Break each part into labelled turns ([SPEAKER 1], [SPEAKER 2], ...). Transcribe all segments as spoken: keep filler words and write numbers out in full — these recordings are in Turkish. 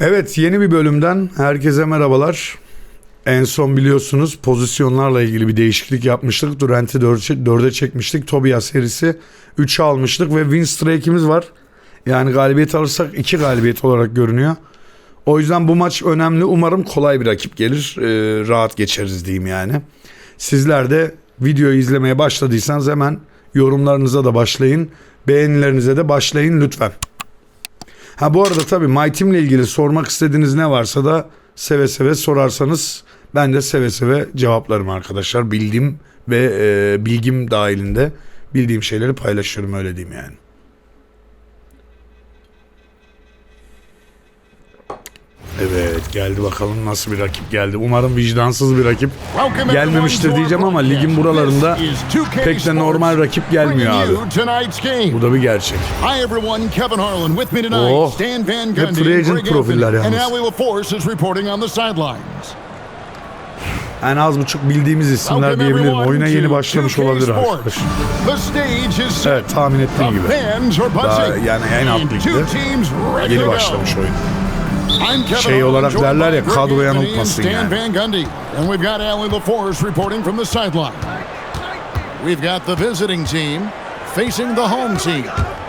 [SPEAKER 1] Evet, yeni bir bölümden herkese merhabalar. En son biliyorsunuz pozisyonlarla ilgili bir değişiklik yapmıştık. Durant'i dörde çekmiştik. Tobias serisi üçe almıştık ve win streak'imiz var. Yani galibiyet alırsak iki galibiyet olarak görünüyor. O yüzden bu maç önemli. Umarım kolay bir rakip gelir. Ee, rahat geçeriz diyeyim yani. Sizler de videoyu izlemeye başladıysanız hemen yorumlarınıza da başlayın. Beğenilerinize de başlayın lütfen. Ha bu arada tabii My Team ile ilgili sormak istediğiniz ne varsa da seve seve sorarsanız ben de seve seve cevaplarım arkadaşlar. Bildiğim ve e, bilgim dahilinde bildiğim şeyleri paylaşıyorum, öyle diyeyim yani. Evet, geldi bakalım nasıl bir rakip geldi. Umarım vicdansız bir rakip gelmemiştir diyeceğim ama ligin buralarında pek de normal rakip gelmiyor abi. Bu da bir gerçek. Oh, hep free agent profiller yalnız. En az buçuk bildiğimiz isimler diyebilirim. Oyuna yeni başlamış olabilir arkadaşlar. Evet, tahmin ettiğim gibi. Daha yani en alt ligde yeni başlamış oyun. Şey olarak derler ya, kadro yanıltmasın yani.
[SPEAKER 2] And we've got Allie LaForce reporting from the sideline. We've got the visiting team facing the home team.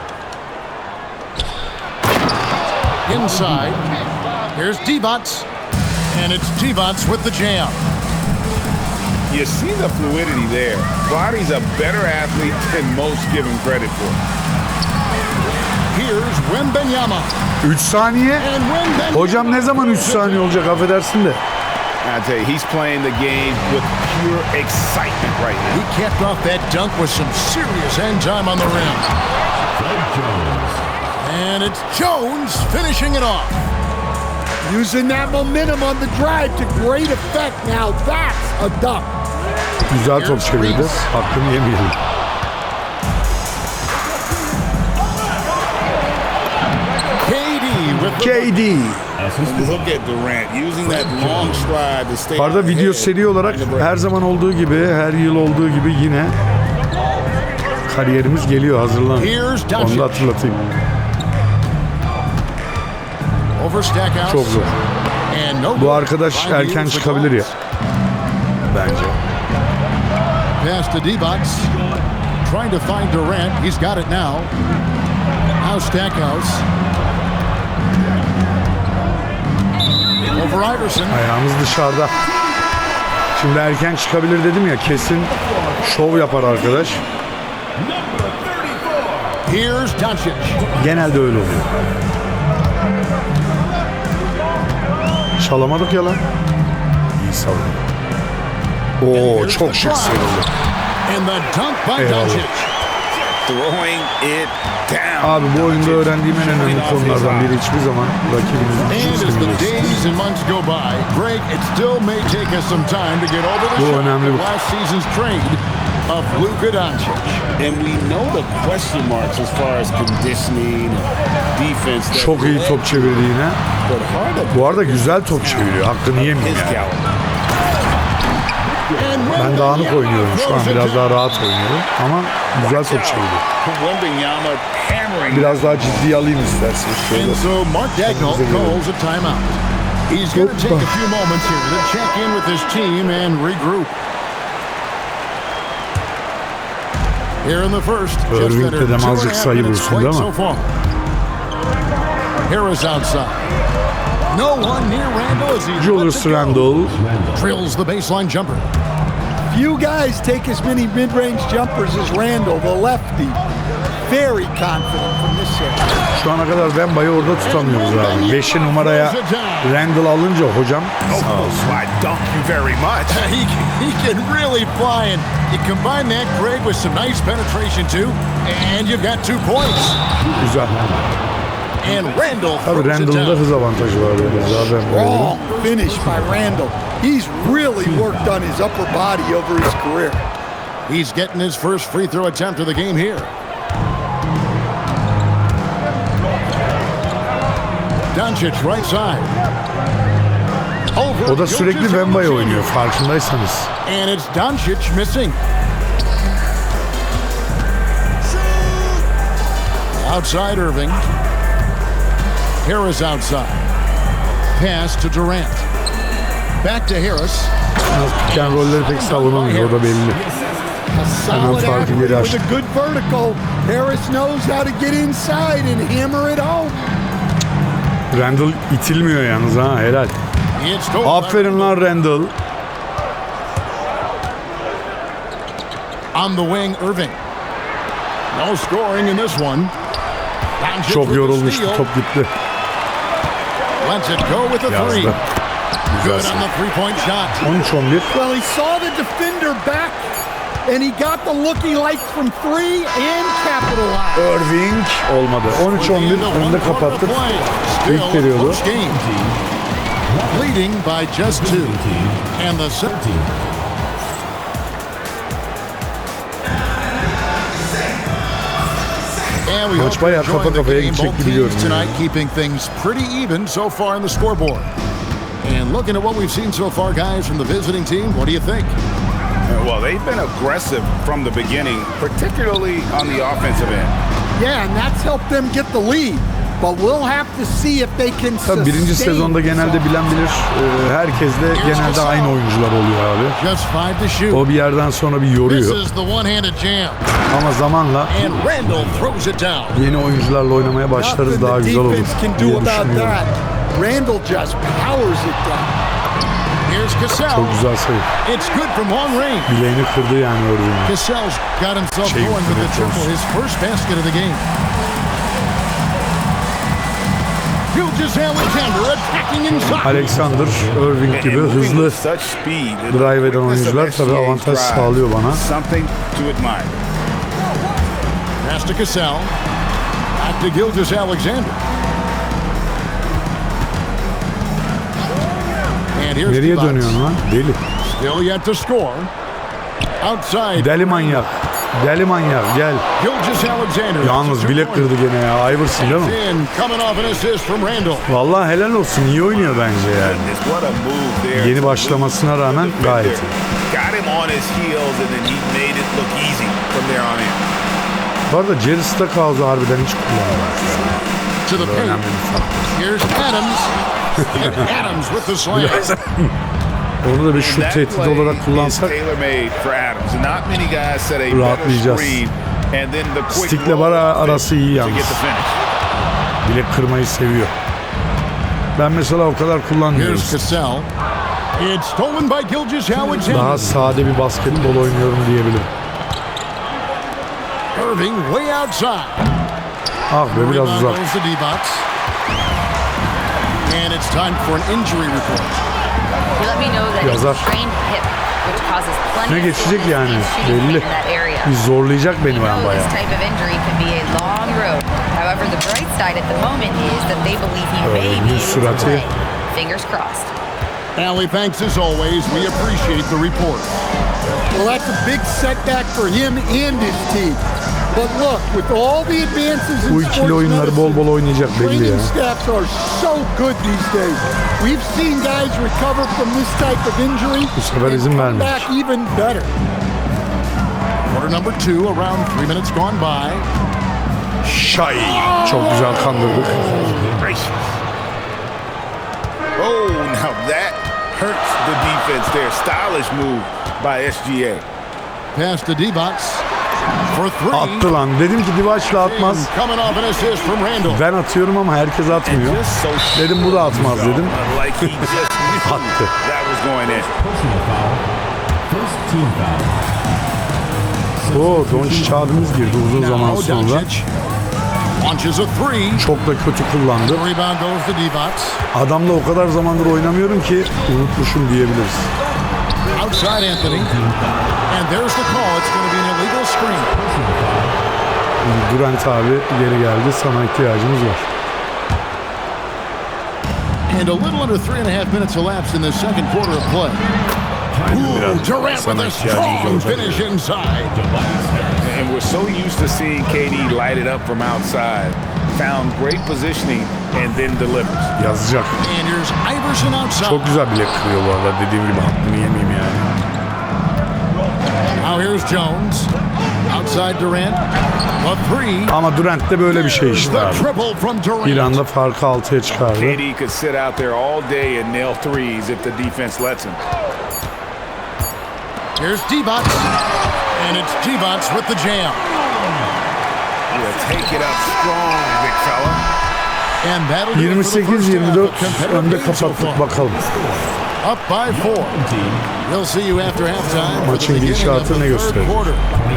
[SPEAKER 2] Inside, here's Divac, and it's Divac with the jam.
[SPEAKER 3] You see the fluidity there. Body's a better athlete than most give him credit for.
[SPEAKER 2] Here's Wembanyama.
[SPEAKER 1] üç saniye. Hocam ne zaman üç saniye olacak, affedersin de.
[SPEAKER 3] I tell you, he's playing the game with pure excitement right now.
[SPEAKER 2] He capped off that dunk with some serious end time on the rim. And it's Jones finishing it off.
[SPEAKER 4] Using that momentum on the drive to great effect. Now that's a dunk.
[SPEAKER 1] Güzel top çevirdi. Hakkını yemeyelim. K D.
[SPEAKER 3] Look at Durant using that long stride to stay.
[SPEAKER 1] Arada video seri olarak her zaman olduğu gibi, her yıl olduğu gibi yine kariyerimiz geliyor, hazırlanın. Onu da hatırlatayım. Çok zor. Bu arkadaş erken çıkabilir ya. Bence.
[SPEAKER 2] Pass to Divac. Trying to find Durant. He's got it now. Now Stackhouse. Over Iverson.
[SPEAKER 1] Ayağımız dışarıda. Şimdi erken çıkabilir dedim ya, kesin şov yapar arkadaş.
[SPEAKER 2] Here's Doncic.
[SPEAKER 1] Genelde öyle oluyor. Çalamadık ya lan. İyi savunma. Oo, çok şık sayıldı. Eyvallah. Abi bu oyunda öğrendiğim en önemli konulardan biri, hiçbir zaman rakibinizin küçümsemeyeceksiniz. Bu önemli bir
[SPEAKER 2] Of Luka Doncic.
[SPEAKER 3] And we know the question marks as far as conditioning and defense.
[SPEAKER 1] Çok iyi top çevirdi yine. Bu arada güzel top çeviriyor. Hakkını yemeyeyim yani. Ben dağınık oynuyorum şu an, biraz daha rahat oynuyorum ama güzel top çeviriyor. Biraz daha ciddiye alayım isterseniz.
[SPEAKER 2] And so Mark Daigneault calls a timeout. He's going to take a few moments here to check in with his team and regroup. Here in the first, just under two and a half minutes played so far. Harris outside. No one near Randle as he
[SPEAKER 1] Julius Randle
[SPEAKER 2] drills the baseline jumper.
[SPEAKER 4] Few guys take as many mid-range jumpers as Randle, the lefty. Very confident from this set.
[SPEAKER 1] Şu ana kadar Wemba'yı orada tutamıyoruz abi. beşi numaraya Randle alınca hocam.
[SPEAKER 3] Sağ olsun. I dunk you very much.
[SPEAKER 2] He, he can really fly, and you combine that, Greg, with some nice penetration too, and you've got two points.
[SPEAKER 1] Güzel.
[SPEAKER 2] And Randle.
[SPEAKER 1] Tabii Randle'ın da hız avantajı var yani. Zaten
[SPEAKER 4] Strong finish by Randle. He's really worked on his upper body over his career.
[SPEAKER 2] He's getting his first free throw attempt of the game here. Doncic right side.
[SPEAKER 1] O da sürekli Wemba'ya oynuyor farkındaysanız.
[SPEAKER 2] And it's Doncic missing. Outside Irving. Harris outside. pass to Durant. Back to Harris.
[SPEAKER 1] Pick and roll'leri pek savunamıyor, o da belli.
[SPEAKER 4] A solid
[SPEAKER 1] farkı
[SPEAKER 4] athlete
[SPEAKER 1] geri
[SPEAKER 4] with
[SPEAKER 1] açtı.
[SPEAKER 4] a good vertical. Harris knows how to get inside and hammer it home.
[SPEAKER 1] Randall itilmiyor yalnız ha, helal.
[SPEAKER 2] It's stolen by
[SPEAKER 1] Aferin lan Randall.
[SPEAKER 2] On the wing, Irving. No scoring in this one. Doncic
[SPEAKER 1] Çok
[SPEAKER 2] with the
[SPEAKER 1] yorulmuştu,
[SPEAKER 2] steal.
[SPEAKER 1] top gitti.
[SPEAKER 2] Lets it go with a three.
[SPEAKER 1] Yazdı.
[SPEAKER 2] Good
[SPEAKER 1] Güzel.
[SPEAKER 2] on the three-point shot.
[SPEAKER 1] on üç on bir.
[SPEAKER 4] Well, he saw the defender back, and he got the look he liked from three and capitalized.
[SPEAKER 1] Irving olmadı. on üç on bir önde kapattık. İlk periyodu.
[SPEAKER 2] Leading by just two. And the seventeen. And we
[SPEAKER 1] Maç
[SPEAKER 2] hope
[SPEAKER 1] bayağı
[SPEAKER 2] you're enjoying
[SPEAKER 1] kafa
[SPEAKER 2] the
[SPEAKER 1] kafaya
[SPEAKER 2] game.
[SPEAKER 1] gidecek
[SPEAKER 2] Both
[SPEAKER 1] gibi
[SPEAKER 2] teams
[SPEAKER 1] görünüyor.
[SPEAKER 2] tonight keeping things pretty even so far in the scoreboard. And looking at what we've seen so far, guys, from the visiting team, what do you think?
[SPEAKER 3] Well, they've been aggressive from the beginning, particularly on the offensive end.
[SPEAKER 4] Yeah, and that's helped them get the lead. But we'll have to see if they can
[SPEAKER 1] Tabii birinci
[SPEAKER 4] sustain
[SPEAKER 1] sezonda genelde
[SPEAKER 4] this
[SPEAKER 1] bilen bilir. Ee, herkes de genelde aynı oyuncular oluyor abi.
[SPEAKER 2] Just five to shoot.
[SPEAKER 1] O bir yerden sonra bir
[SPEAKER 2] This
[SPEAKER 1] yoruyor.
[SPEAKER 2] is the one-handed jam.
[SPEAKER 1] Ama zamanla
[SPEAKER 2] And Randall throws it down.
[SPEAKER 1] yeni oyuncularla oynamaya başlarız,
[SPEAKER 4] Nothing
[SPEAKER 1] daha
[SPEAKER 4] the
[SPEAKER 1] güzel olur
[SPEAKER 4] defense can
[SPEAKER 1] diye
[SPEAKER 4] do about
[SPEAKER 1] düşünüyorum.
[SPEAKER 4] that. Randall just powers it down.
[SPEAKER 2] Here's Cassell.
[SPEAKER 1] Çok güzel sayı.
[SPEAKER 2] It's good from long range.
[SPEAKER 1] Bileğini kırdı yani Irving'in.
[SPEAKER 2] Cassell's got himself
[SPEAKER 1] Şey,
[SPEAKER 2] going with the
[SPEAKER 1] evet,
[SPEAKER 2] triple,
[SPEAKER 1] olsun.
[SPEAKER 2] his first basket of the game. Gilgeous Alexander attacking inside.
[SPEAKER 1] Alexander, Irving
[SPEAKER 3] And
[SPEAKER 1] gibi
[SPEAKER 3] moving
[SPEAKER 1] hızlı
[SPEAKER 3] with such speed, the
[SPEAKER 1] drive eden
[SPEAKER 3] quickness of
[SPEAKER 1] oyuncular
[SPEAKER 3] S G
[SPEAKER 1] tabii
[SPEAKER 3] A's
[SPEAKER 1] avantaj
[SPEAKER 3] drive,
[SPEAKER 1] sağlıyor bana.
[SPEAKER 3] Something to admire.
[SPEAKER 2] Pass to Cassell. Back to Gilgeous Alexander. And here's
[SPEAKER 1] Nereye
[SPEAKER 2] Divac.
[SPEAKER 1] dönüyorsun lan? Deli.
[SPEAKER 2] Still yet to score. Outside.
[SPEAKER 1] Deli manyak. Deli manyak gel.
[SPEAKER 2] Gilgeous Alexander.
[SPEAKER 1] Yalnız bilek kırdı gene ya. Iverson değil mi?
[SPEAKER 2] In, coming off an assist from Randall.
[SPEAKER 1] Vallahi helal olsun. İyi oynuyor bence yani.
[SPEAKER 3] Goodness, what a move there.
[SPEAKER 1] Yeni başlamasına rağmen gayet iyi.
[SPEAKER 3] Got him on his heels and then he made it look easy from there on in.
[SPEAKER 1] Bu arada Jerry Stackhouse'u harbiden hiç kullanmamış.
[SPEAKER 2] To the
[SPEAKER 1] Bu
[SPEAKER 2] paint.
[SPEAKER 1] önemli bir faktör.
[SPEAKER 2] Here's Adams. And Adams with the slam.
[SPEAKER 1] Onu da bir şut
[SPEAKER 3] That
[SPEAKER 1] tehdidi
[SPEAKER 3] play
[SPEAKER 1] olarak
[SPEAKER 3] is
[SPEAKER 1] kullansak
[SPEAKER 3] tailor-made for Adams. Not many guys set a better
[SPEAKER 1] rahatlayacağız.
[SPEAKER 3] screen and then the quick
[SPEAKER 1] Stick'le
[SPEAKER 3] roll
[SPEAKER 1] bara
[SPEAKER 3] off it
[SPEAKER 1] arası iyi
[SPEAKER 3] to get
[SPEAKER 1] yalnız.
[SPEAKER 3] the finish.
[SPEAKER 1] Bilek kırmayı seviyor. Ben mesela o kadar kullanmıyorum.
[SPEAKER 2] Here's Cassell. It's stolen by Gilgeous Alexander.
[SPEAKER 1] Daha sade bir basketbol oynuyorum diyebilirim.
[SPEAKER 2] Irving way outside.
[SPEAKER 1] Ah be biraz
[SPEAKER 2] Rebound
[SPEAKER 1] uzak.
[SPEAKER 2] goes to D-Box. And it's time for an injury report.
[SPEAKER 5] He let me know that it's
[SPEAKER 1] Yazar.
[SPEAKER 5] a strained hip, which causes plenty
[SPEAKER 1] Ne
[SPEAKER 5] of
[SPEAKER 1] geçecek
[SPEAKER 5] fluid
[SPEAKER 1] yani,
[SPEAKER 5] and shooting
[SPEAKER 1] belli.
[SPEAKER 5] pain in that area.
[SPEAKER 1] Bir zorlayacak
[SPEAKER 5] We
[SPEAKER 1] beni ben
[SPEAKER 5] know
[SPEAKER 1] bayağı.
[SPEAKER 5] this type of injury can be a long road. However, the bright side at the moment is that they believe he may
[SPEAKER 1] Öyle
[SPEAKER 5] be
[SPEAKER 1] bir
[SPEAKER 5] able to
[SPEAKER 1] sürati.
[SPEAKER 5] play. Fingers crossed.
[SPEAKER 2] Allie, thanks as always. We appreciate the report.
[SPEAKER 4] Well, that's a big setback for him and his team. But look, with all the advances in
[SPEAKER 1] Bu
[SPEAKER 4] sports
[SPEAKER 1] ikili oyunları bol bol oynayacak belli ya.
[SPEAKER 4] training staffs are so good these days. We've seen guys recover from this type of injury
[SPEAKER 1] Bu sefer
[SPEAKER 4] and
[SPEAKER 1] izin
[SPEAKER 4] come
[SPEAKER 1] vermemiş.
[SPEAKER 4] back even better.
[SPEAKER 2] Quarter number two, around three minutes gone by.
[SPEAKER 1] Şay. Çok güzel kandırdık.
[SPEAKER 3] Gracious. Oh, now that hurts the defense there. Stylish move by S G A.
[SPEAKER 2] Pass to D-Box for three.
[SPEAKER 1] Attı lan. Dedim ki Divaç'la atmaz.
[SPEAKER 2] And coming off an assist from Randall.
[SPEAKER 1] Ben atıyorum ama herkes atmıyor.
[SPEAKER 3] Just so
[SPEAKER 1] Dedim bu da atmaz dedim.
[SPEAKER 3] Like he just knew
[SPEAKER 1] Attı.
[SPEAKER 3] that was going in.
[SPEAKER 1] Oo, Doncic abimiz girdi uzun zaman
[SPEAKER 2] Now
[SPEAKER 1] sonra.
[SPEAKER 2] Doncic launches a three.
[SPEAKER 1] Çok da kötü kullandı.
[SPEAKER 2] Rebound goes to D-Box.
[SPEAKER 1] Adamla o kadar zamandır oynamıyorum ki unutmuşum diyebiliriz.
[SPEAKER 2] Outside Anthony. And there's the call. It's going to be an illegal screen.
[SPEAKER 1] Durant abi geri geldi. Sana ihtiyacımız var.
[SPEAKER 2] And a little under three and a half minutes elapsed in the second quarter of play. Ooh, Durant with a strong finish inside.
[SPEAKER 3] And we're so used to seeing K D light it up from outside. Found great positioning and then delivers.
[SPEAKER 1] Yazacak.
[SPEAKER 2] And here's Iverson outside.
[SPEAKER 1] Çok güzel bilek kırıyor bu arada. Dediğim gibi hakkını yemeyeyim yani.
[SPEAKER 2] Now here's Jones. Outside Durant. A three.
[SPEAKER 1] Ama Durant de böyle bir şey işte
[SPEAKER 2] The
[SPEAKER 1] abi.
[SPEAKER 2] triple from Durant.
[SPEAKER 1] Bir anda farkı altıya çıkardı.
[SPEAKER 3] K D could sit out there all day and nail threes if the defense lets him.
[SPEAKER 2] Here's D-Bots. And it's D-Bots with the jam.
[SPEAKER 3] Yeah, take it up strong, big fella.
[SPEAKER 2] And that'll do it
[SPEAKER 1] yirmi
[SPEAKER 2] for the
[SPEAKER 1] sekiz
[SPEAKER 2] first
[SPEAKER 1] yirmi
[SPEAKER 2] half
[SPEAKER 1] dört
[SPEAKER 2] of competitive
[SPEAKER 1] önde
[SPEAKER 2] games so
[SPEAKER 1] kapattık
[SPEAKER 2] far.
[SPEAKER 1] bakalım.
[SPEAKER 2] Up by four. We'll see you after halftime for the
[SPEAKER 1] Maçın
[SPEAKER 2] beginning of
[SPEAKER 1] gidişatı
[SPEAKER 2] the
[SPEAKER 1] ne
[SPEAKER 2] third
[SPEAKER 1] gösterecek?
[SPEAKER 2] quarter.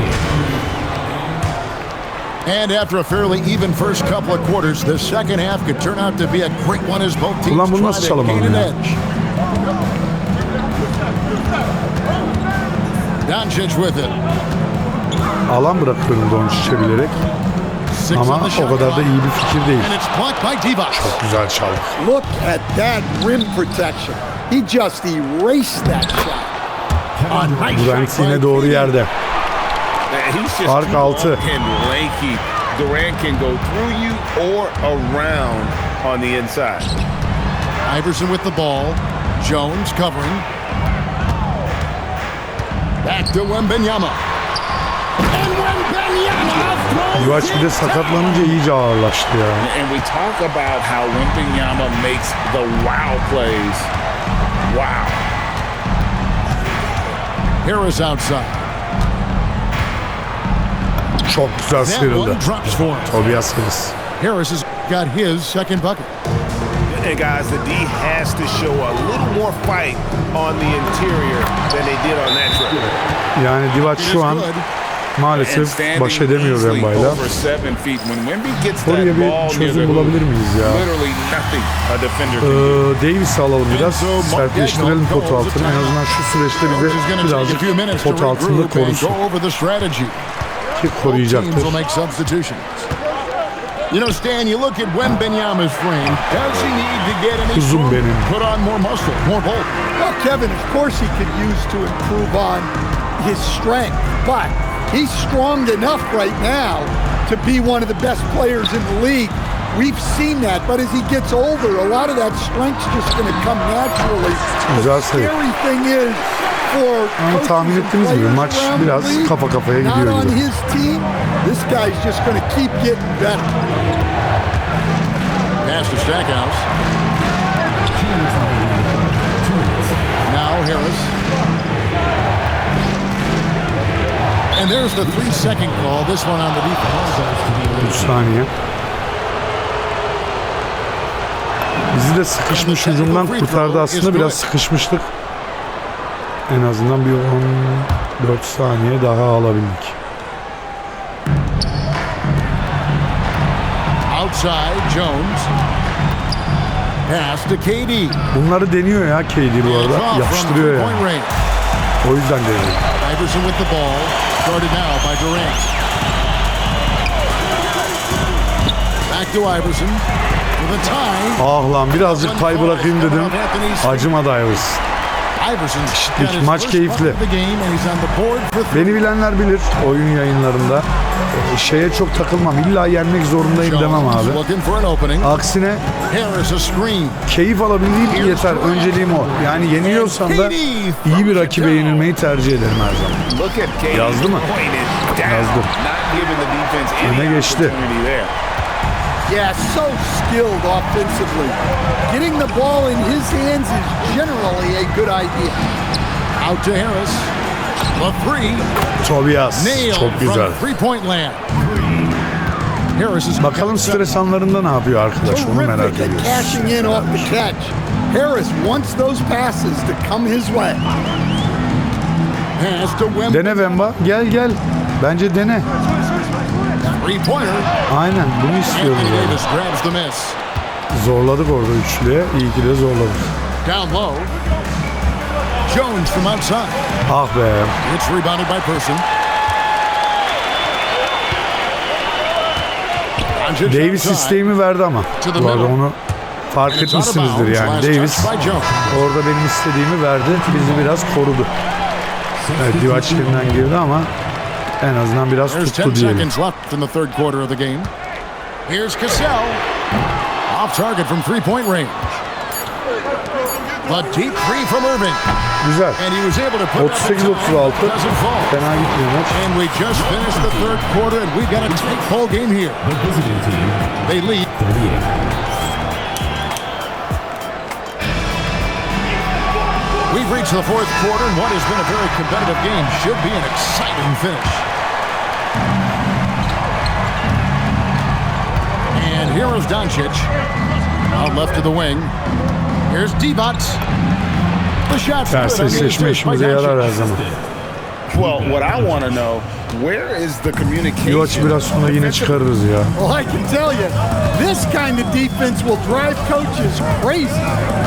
[SPEAKER 2] And after a fairly even first couple of quarters, the second half could turn out to be a great one as both teams
[SPEAKER 1] Ulan bunu
[SPEAKER 2] try
[SPEAKER 1] nasıl
[SPEAKER 2] to
[SPEAKER 1] çalamadım
[SPEAKER 2] gain an
[SPEAKER 1] ya?
[SPEAKER 2] edge. Doncic with it.
[SPEAKER 1] Alan bırakıyorum Doncic'e bilerek.
[SPEAKER 2] Six
[SPEAKER 1] Ama
[SPEAKER 2] on the
[SPEAKER 1] o
[SPEAKER 2] shot
[SPEAKER 1] kadar da
[SPEAKER 2] clock.
[SPEAKER 1] iyi bir fikir değil.
[SPEAKER 2] And it's blocked by Divac.
[SPEAKER 1] Güzel çaldı.
[SPEAKER 4] Look at that rim protection. He just erased that shot. A nice
[SPEAKER 1] Durant
[SPEAKER 4] shot by
[SPEAKER 1] yine doğru
[SPEAKER 4] K D.
[SPEAKER 1] yerde.
[SPEAKER 3] Man, he's just
[SPEAKER 1] Fark
[SPEAKER 3] too
[SPEAKER 1] altı.
[SPEAKER 3] long and lanky. Durant can go through you or around on the inside.
[SPEAKER 2] Iverson with the ball. Jones covering. Back to Wembanyama. And Wembanyama throws
[SPEAKER 1] Divac bir de
[SPEAKER 2] it
[SPEAKER 1] sakatlanınca iyice ağırlaştı ya.
[SPEAKER 3] And we talk about how Wembanyama makes the wow plays. Wow.
[SPEAKER 2] Harris outside.
[SPEAKER 1] Çok güzel
[SPEAKER 2] That
[SPEAKER 1] sıyrıldı.
[SPEAKER 2] one drops for him.
[SPEAKER 1] Tobias Harris.
[SPEAKER 2] Harris has got his second bucket.
[SPEAKER 3] And guys, the D has to show a little more fight on the interior than they did on that trip.
[SPEAKER 1] Yani Divac
[SPEAKER 2] It is
[SPEAKER 1] şu an
[SPEAKER 2] good.
[SPEAKER 3] And
[SPEAKER 1] maalesef
[SPEAKER 3] standing
[SPEAKER 1] baş edemiyor
[SPEAKER 3] easily
[SPEAKER 1] Wemba'yla.
[SPEAKER 3] over seven feet. When Wemby gets that
[SPEAKER 1] Oraya
[SPEAKER 3] ball
[SPEAKER 1] bir
[SPEAKER 3] near the
[SPEAKER 1] çözüm
[SPEAKER 3] hoop,
[SPEAKER 1] bulabilir miyiz ya?
[SPEAKER 3] literally nothing a defender can do.
[SPEAKER 1] Ee, Davis'i alalım biraz. Sertleştirelim pot altını. En azından şu süreçte bize
[SPEAKER 2] Coach is going to take a few
[SPEAKER 1] birazcık
[SPEAKER 2] minutes to
[SPEAKER 1] pot altında
[SPEAKER 2] regroup and
[SPEAKER 1] korusun.
[SPEAKER 2] go over the strategy.
[SPEAKER 1] Ki
[SPEAKER 2] Both
[SPEAKER 1] koruyacaktır.
[SPEAKER 2] teams will make substitutions. You know, Stan, you look at Wembanyama's frame. Does he need to get any
[SPEAKER 1] Kuzum
[SPEAKER 2] stronger?
[SPEAKER 1] benim.
[SPEAKER 2] Put on more muscle, more bulk.
[SPEAKER 4] Well, Kevin, of course he could use to improve on his strength, but he's strong enough right now to be one of the best players in the league. We've seen that, but as he gets older, a lot of that strength's just going to come naturally.
[SPEAKER 1] Güzel
[SPEAKER 4] The
[SPEAKER 1] sayı.
[SPEAKER 4] scary thing is for
[SPEAKER 1] Ama
[SPEAKER 4] coaches
[SPEAKER 1] tahmin
[SPEAKER 4] and
[SPEAKER 1] ettiğimiz gibi
[SPEAKER 4] players
[SPEAKER 1] maç
[SPEAKER 4] around the
[SPEAKER 1] biraz
[SPEAKER 4] league,
[SPEAKER 1] kafa kafaya
[SPEAKER 4] not
[SPEAKER 1] gidiyor
[SPEAKER 4] on
[SPEAKER 1] gibi.
[SPEAKER 4] his team, this guy's just going to keep getting better.
[SPEAKER 2] Pass to Stackhouse. Now Harris. And there's the three-second call. This one on the defense.
[SPEAKER 1] üç saniye. Bizi de sıkışmış hücumdan kurtardı aslında. Biraz sıkışmıştık. En azından bir on dört saniye daha alabildik.
[SPEAKER 2] Outside Jones. Pass to K D.
[SPEAKER 1] Bunları deniyor ya K D bu
[SPEAKER 2] It's
[SPEAKER 1] arada.
[SPEAKER 2] off
[SPEAKER 1] Yapıştırıyor
[SPEAKER 2] from
[SPEAKER 1] yani.
[SPEAKER 2] three-point range.
[SPEAKER 1] O yüzden deniyor.
[SPEAKER 2] Iverson with the ball. Started now by Durant. Back to Iverson. With a tie.
[SPEAKER 1] Ah lan birazcık pay bırakayım dedim. Acımadı Iverson.
[SPEAKER 2] Iverson's
[SPEAKER 1] Eşitlik.
[SPEAKER 2] got his
[SPEAKER 1] Maç
[SPEAKER 2] first
[SPEAKER 1] keyifli.
[SPEAKER 2] bucket of the game and he's on the board for three.
[SPEAKER 1] Beni bilenler bilir oyun yayınlarında. e, Şeye çok takılmam. İlla yenmek zorundayım demem
[SPEAKER 2] Jones
[SPEAKER 1] abi.
[SPEAKER 2] looking for an opening.
[SPEAKER 1] Aksine
[SPEAKER 2] Harris a screen.
[SPEAKER 1] keyif alabildiğim yeter. Önceliğim o. Yani yeniliyorsam da iyi bir rakibe yenilmeyi tercih ederim her zaman.
[SPEAKER 3] Look at K D
[SPEAKER 1] Yazdı mı?
[SPEAKER 3] pointed down,
[SPEAKER 1] Yazdı.
[SPEAKER 3] not giving the defense any
[SPEAKER 1] Öne geçti.
[SPEAKER 3] opportunity there.
[SPEAKER 4] Yeah, so skilled offensively. Getting the ball in his hands is generally a good idea.
[SPEAKER 2] Out to Harris. The three.
[SPEAKER 1] Tobias
[SPEAKER 2] Nailed
[SPEAKER 1] çok güzel.
[SPEAKER 2] from three-point land. Harris is
[SPEAKER 1] Bakalım stres anlarında ne yapıyor arkadaş, onu merak
[SPEAKER 4] Terrific at
[SPEAKER 1] ediyoruz.
[SPEAKER 4] cashing in off the catch. Harris wants those passes to come his way.
[SPEAKER 2] Pass to Wemby.
[SPEAKER 1] Dene Wemba, gel gel. Bence dene.
[SPEAKER 2] Three-pointer.
[SPEAKER 1] Aynen bunu istiyoruz.
[SPEAKER 2] Anthony
[SPEAKER 1] yani.
[SPEAKER 2] Davis grabs the miss.
[SPEAKER 1] Zorladık orada üçlüye. İyi ki de zorladık.
[SPEAKER 2] Down low. Jones from outside.
[SPEAKER 1] Ah be.
[SPEAKER 2] It's rebounded by Person.
[SPEAKER 1] Davis isteğimi verdi ama. Bu arada onu fark etmişsinizdir yani. Davis orada benim istediğimi verdi. Bizi biraz korudu. Evet, Divac elinden girdi ama en azından biraz
[SPEAKER 2] There's
[SPEAKER 1] tuttu
[SPEAKER 2] ten
[SPEAKER 1] diyelim.
[SPEAKER 2] seconds left in the third quarter of the game. Here's Cassell. Off target from three-point range. The deep three from Irving.
[SPEAKER 1] Güzel.
[SPEAKER 2] And he was able to put
[SPEAKER 1] otuz sekiz otuz altı.
[SPEAKER 2] doesn't fall.
[SPEAKER 1] Fena gitmiyor maç.
[SPEAKER 2] And we just finished the third quarter, and we've got a tight ball game here.
[SPEAKER 6] The visiting team,
[SPEAKER 2] They lead.
[SPEAKER 6] thirty-eight.
[SPEAKER 2] We've reached the fourth quarter, and what has been a very competitive game should be an exciting finish. And here is Doncic. Out left to the wing. Here's Divac. The shot's good.
[SPEAKER 1] Ters
[SPEAKER 2] on the
[SPEAKER 1] eşleşme
[SPEAKER 2] assist by
[SPEAKER 1] işimize yarar her
[SPEAKER 2] Doncic.
[SPEAKER 1] zaman.
[SPEAKER 3] Well, what I want to know, where is the communication?
[SPEAKER 1] Divac biraz sonra yine çıkarırız ya.
[SPEAKER 4] Well, I can tell you, this kind of defense will drive coaches crazy.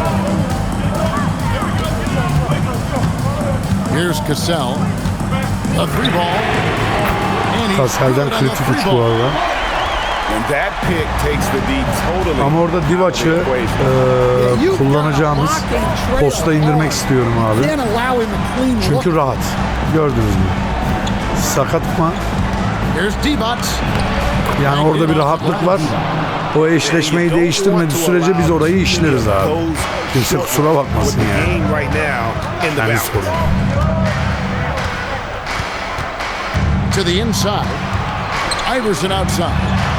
[SPEAKER 2] Here's Cassell. A three ball. And he's
[SPEAKER 1] Kassel'den
[SPEAKER 2] good on the
[SPEAKER 1] kritik
[SPEAKER 2] three
[SPEAKER 1] uç bu
[SPEAKER 2] ball.
[SPEAKER 1] arada.
[SPEAKER 3] And that pick takes the D totally.
[SPEAKER 1] Ama orada Divac'ı e, kullanacağımız posta indirmek istiyorum abi.
[SPEAKER 4] Can't allow him a clean look.
[SPEAKER 1] Çünkü rahat. Gördünüz mü? Sakat mı?
[SPEAKER 2] Here's Divac.
[SPEAKER 1] Yani orada bir rahatlık var. O eşleşmeyi değiştirmediği sürece biz orayı işleriz abi. Kimse kusura bakmasın yani. Yani sorun.
[SPEAKER 2] To the inside. Iverson outside.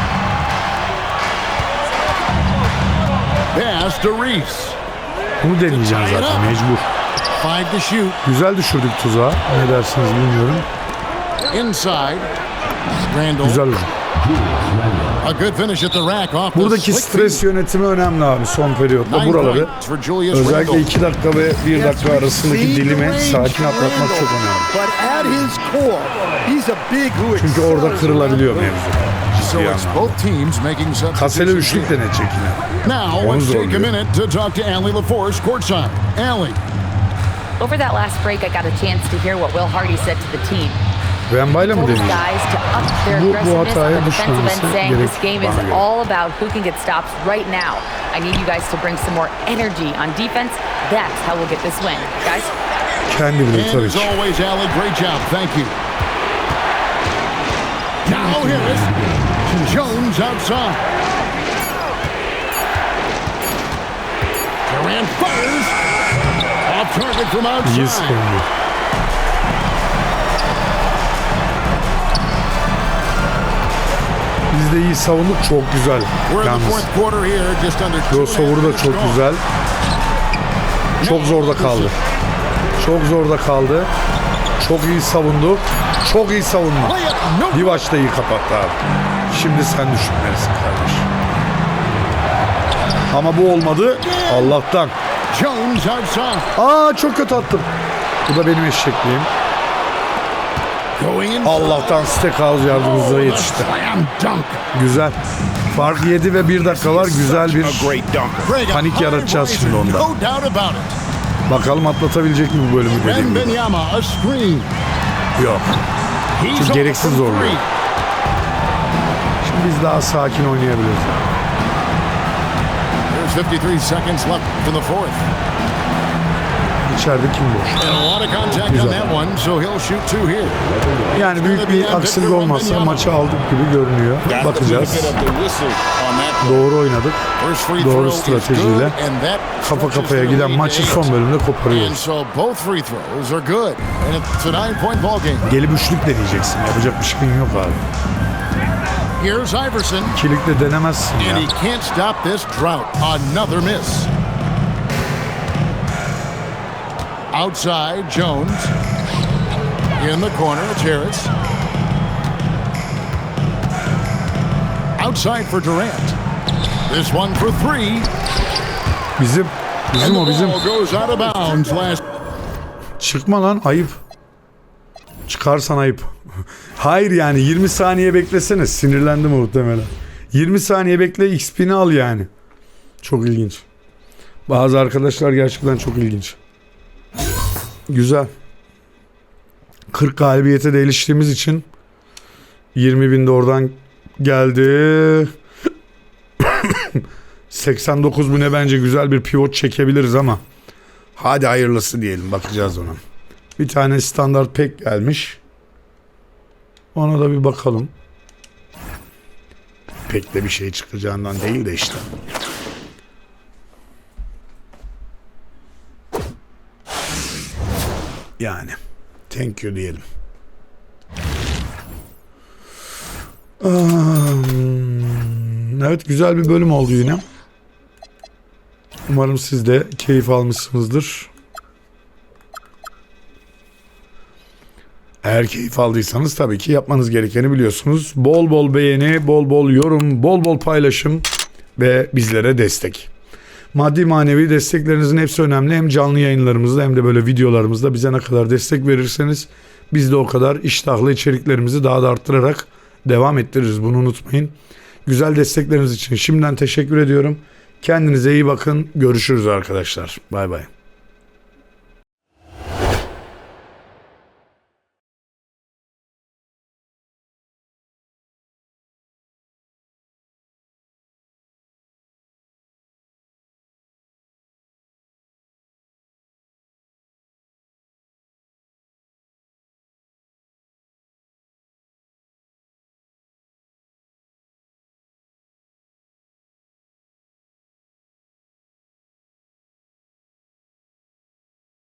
[SPEAKER 2] Pass to Reeves.
[SPEAKER 1] Bunu deneyeceğim zaten mecbur.
[SPEAKER 2] Five to shoot.
[SPEAKER 1] Güzel düşürdük tuzağa. Ne dersiniz bilmiyorum.
[SPEAKER 2] Inside. Randall.
[SPEAKER 1] Güzel hücum.
[SPEAKER 2] A good finish at the rack off the
[SPEAKER 1] Buradaki
[SPEAKER 2] slick
[SPEAKER 1] stres yönetimi önemli abi son periyotta.
[SPEAKER 2] Nine
[SPEAKER 1] Buraları
[SPEAKER 2] points for Julius
[SPEAKER 1] özellikle
[SPEAKER 2] Randle.
[SPEAKER 1] iki dakika ve bir dakika arasındaki dilimi sakin atlatmak çok önemli.
[SPEAKER 4] But at his core, he's a big who
[SPEAKER 1] Çünkü orada kırılabiliyor mevzu.
[SPEAKER 2] So
[SPEAKER 1] Ciddi
[SPEAKER 2] it's
[SPEAKER 1] anlamda.
[SPEAKER 2] both teams making
[SPEAKER 1] Kasele
[SPEAKER 2] substitutions.
[SPEAKER 1] üçlük deneyecek yine.
[SPEAKER 2] Now
[SPEAKER 1] Onu
[SPEAKER 2] let's take a
[SPEAKER 1] zorluyor.
[SPEAKER 2] minute to talk to Allie LaForce courtside. Allie.
[SPEAKER 5] Over that last break, I got a chance to hear what Will Hardy said to the team.
[SPEAKER 1] Wembany'la mı
[SPEAKER 5] Told his
[SPEAKER 1] deneyecek?
[SPEAKER 5] guys to up their
[SPEAKER 1] Bu- bu
[SPEAKER 5] aggressiveness on
[SPEAKER 1] hataya
[SPEAKER 5] the defensive end,
[SPEAKER 1] düşmemesi
[SPEAKER 5] saying
[SPEAKER 1] gerek
[SPEAKER 5] this game is
[SPEAKER 1] bana göre.
[SPEAKER 5] all about who can get stops right now. I need you guys to bring some more energy on defense. That's how we'll get this win. Guys?
[SPEAKER 1] Kendi bilir
[SPEAKER 2] And
[SPEAKER 1] tabii
[SPEAKER 2] as
[SPEAKER 1] ki.
[SPEAKER 2] always, Allie, great job. Thank you. Now Harris. Jones outside. Durant fires. Off target from
[SPEAKER 1] İyi
[SPEAKER 2] outside.
[SPEAKER 1] savundu. Biz de iyi savunduk. Çok güzel.
[SPEAKER 2] We're in the
[SPEAKER 1] Yalnız
[SPEAKER 2] fourth quarter here. Just under two and a half
[SPEAKER 1] crossover da
[SPEAKER 2] minutes
[SPEAKER 1] çok
[SPEAKER 2] gone.
[SPEAKER 1] güzel. Çok zorda kaldı. Çok zorda kaldı. Çok iyi savundu. Çok iyi savunma.
[SPEAKER 2] Play it. No.
[SPEAKER 1] Divac da iyi kapattı abi. Şimdi sen düşünmelisin kardeş. Ama bu olmadı. Allah'tan.
[SPEAKER 2] Jones outside.
[SPEAKER 1] Aa çok kötü attım. Bu da benim eşekliğim.
[SPEAKER 2] Going in.
[SPEAKER 1] Allah'tan Steakhouse yardımcılara yetişti.
[SPEAKER 2] Slam dunk.
[SPEAKER 1] Güzel. Fark yedi ve bir dakika var. Güzel bir
[SPEAKER 3] A great dunker.
[SPEAKER 2] Greg, a
[SPEAKER 1] panik
[SPEAKER 2] high
[SPEAKER 1] yaratacağız
[SPEAKER 2] riser,
[SPEAKER 1] şimdi onda.
[SPEAKER 2] No doubt about it.
[SPEAKER 1] Bakalım atlatabilecek mi bu bölümü dediğim gibi.
[SPEAKER 2] Wembanyama, a screen.
[SPEAKER 1] Yok.
[SPEAKER 2] He's
[SPEAKER 1] Çünkü
[SPEAKER 2] off
[SPEAKER 1] gereksiz
[SPEAKER 2] from
[SPEAKER 1] zorluyor.
[SPEAKER 2] three.
[SPEAKER 1] Şimdi biz daha sakin oynayabiliriz.
[SPEAKER 2] There's fifty-three seconds left in the fourth.
[SPEAKER 1] İçeride kim boş?
[SPEAKER 2] And a lot of contact on
[SPEAKER 1] Güzel.
[SPEAKER 2] that one, so he'll shoot two here.
[SPEAKER 1] Yani büyük bir aksilik olmazsa maçı aldık gibi görünüyor.
[SPEAKER 3] Got the
[SPEAKER 1] Bakacağız.
[SPEAKER 3] benefit of the whistle on that.
[SPEAKER 1] Doğru oynadık.
[SPEAKER 2] First free
[SPEAKER 1] Doğru
[SPEAKER 2] throw is
[SPEAKER 1] stratejiyle
[SPEAKER 2] good, and that
[SPEAKER 1] kafa
[SPEAKER 2] stretches
[SPEAKER 1] kafaya
[SPEAKER 2] the
[SPEAKER 1] giden
[SPEAKER 2] lead
[SPEAKER 1] maçı
[SPEAKER 2] to
[SPEAKER 1] son
[SPEAKER 2] eight.
[SPEAKER 1] bölümde
[SPEAKER 2] And
[SPEAKER 1] koparıyoruz.
[SPEAKER 2] so both free throws are good. And it's a nine-point ball game.
[SPEAKER 1] Gelip üçlük deneyeceksin. Yapacak bir şeyin yok abi.
[SPEAKER 2] Here's Iverson,
[SPEAKER 1] İkilikle denemezsin
[SPEAKER 2] and
[SPEAKER 1] ya.
[SPEAKER 2] he can't stop this drought. Another miss. Outside, Jones. In the corner, it's Harris. Outside for Durant. This one for three.
[SPEAKER 1] Bizim. Bizim
[SPEAKER 2] And
[SPEAKER 1] o
[SPEAKER 2] the
[SPEAKER 1] bizim.
[SPEAKER 2] ball goes out of bounds last.
[SPEAKER 1] Çıkma lan ayıp. Çıkarsan ayıp. Hayır yani yirmi saniye beklesene. Sinirlendim muhtemelen. yirmi saniye bekle X P'ni al yani. Çok ilginç. Bazı arkadaşlar gerçekten çok ilginç. Güzel. kırk galibiyete de eriştiğimiz için yirmi bin de oradan geldi. seksen dokuz bine bence güzel bir pivot çekebiliriz ama hadi hayırlısı diyelim, bakacağız ona. Bir tane standart pek gelmiş. Ona da bir bakalım. Pek de bir şey çıkacağından değil de işte. Yani thank you diyelim. Um, evet, güzel bir bölüm oldu yine. Umarım siz de keyif almışsınızdır. Eğer keyif aldıysanız tabii ki yapmanız gerekeni biliyorsunuz. Bol bol beğeni, bol bol yorum, bol bol paylaşım ve bizlere destek. Maddi manevi desteklerinizin hepsi önemli. Hem canlı yayınlarımızda hem de böyle videolarımızda bize ne kadar destek verirseniz biz de o kadar iştahlı içeriklerimizi daha da arttırarak devam ettiririz. Bunu unutmayın. Güzel destekleriniz için şimdiden teşekkür ediyorum. Kendinize iyi bakın. Görüşürüz arkadaşlar. Bay bay.